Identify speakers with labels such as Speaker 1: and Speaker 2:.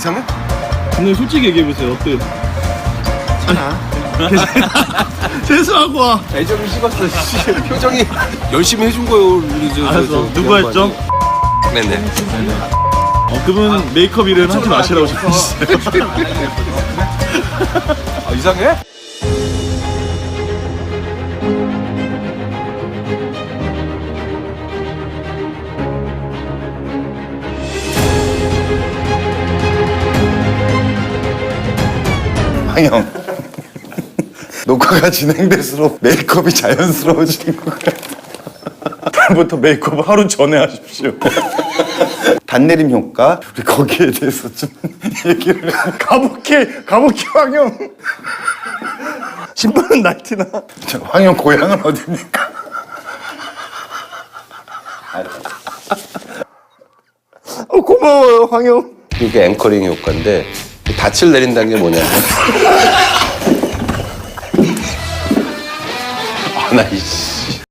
Speaker 1: 이상해?
Speaker 2: 근데 솔직히 얘기해보세요. 어때요? 세수하고 와.
Speaker 1: 애정이 식었어. 씨. 표정이 열심히 해준 거예요. 우리
Speaker 2: 알았어. 누구 했죠?
Speaker 1: 네네.
Speaker 2: 그분 메이크업 일은 하지 마시라고 싶으시죠?
Speaker 1: 아, 이상해?
Speaker 3: 황영, 녹화가 진행될수록 메이크업이 자연스러워지는 것 같아. 다음부터 메이크업 하루 전에 하십시오. 단내림 효과, 우리 거기에 대해서 좀 얘기를. 가복해 황영. 신발은 나이티나. 황영 고향은 어디입니까? 고마워요 황영.
Speaker 1: 이게 앵커링 효과인데 닻을 내린다는 게 뭐냐면 나 이씨